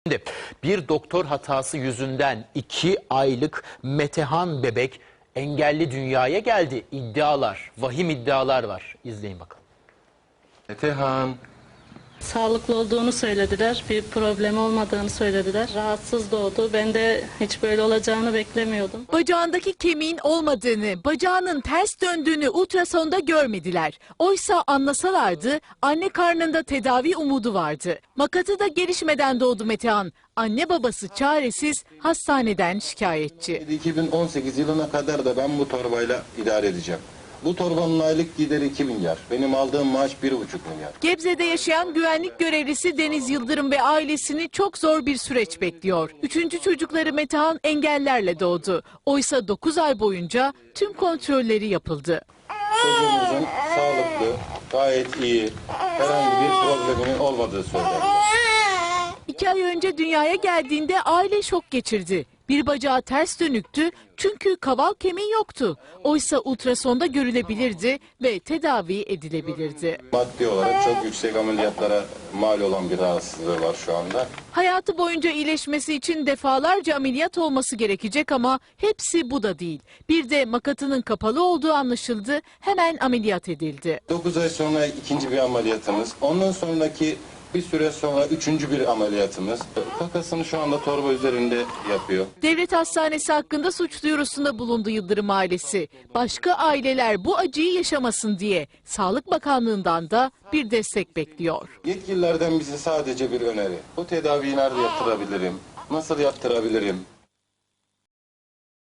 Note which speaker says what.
Speaker 1: Şimdi bir doktor hatası yüzünden 2 aylık Metehan bebek engelli dünyaya geldi. İddialar, vahim iddialar var. İzleyin bakalım.
Speaker 2: Metehan.
Speaker 3: Sağlıklı olduğunu söylediler. Bir problem olmadığını söylediler. Rahatsız doğdu. Ben de hiç böyle olacağını beklemiyordum.
Speaker 4: Bacağındaki kemiğin olmadığını, bacağının ters döndüğünü ultrasonda görmediler. Oysa anlasalardı anne karnında tedavi umudu vardı. Makatı da gelişmeden doğdu Metehan. Anne babası çaresiz, hastaneden şikayetçi.
Speaker 2: 2018 yılına kadar da ben bu torbayla idare edeceğim. Bu torbanın aylık gideri 2 milyar. Benim aldığım maaş 1,5 milyar.
Speaker 4: Gebze'de yaşayan güvenlik görevlisi Deniz Yıldırım ve ailesini çok zor bir süreç bekliyor. 3. çocukları Metehan engellerle doğdu. Oysa 9 ay boyunca tüm kontrolleri yapıldı.
Speaker 2: Çocuğumuzun sağlıklı, gayet iyi, herhangi bir probleminin olmadığı söylendi.
Speaker 4: 2 ay önce dünyaya geldiğinde aile şok geçirdi. Bir bacağı ters dönüktü çünkü kaval kemiği yoktu. Oysa ultrasonda görülebilirdi ve tedavi edilebilirdi.
Speaker 2: Maddi olarak çok yüksek ameliyatlara mal olan bir rahatsızlığı var şu anda.
Speaker 4: Hayatı boyunca iyileşmesi için defalarca ameliyat olması gerekecek ama hepsi bu da değil. Bir de makatının kapalı olduğu anlaşıldı, hemen ameliyat edildi.
Speaker 2: 9 ay sonra ikinci bir ameliyatımız. Ondan sonraki bir süre sonra 3. bir ameliyatımız. Kakasını şu anda torba üzerinde yapıyor.
Speaker 4: Devlet hastanesi hakkında suç duyurusunda bulundu Yıldırım ailesi. Başka aileler bu acıyı yaşamasın diye Sağlık Bakanlığı'ndan da bir destek bekliyor.
Speaker 2: Yetkililerden bize sadece bir öneri. Bu tedaviyi nerede yaptırabilirim? Nasıl yaptırabilirim?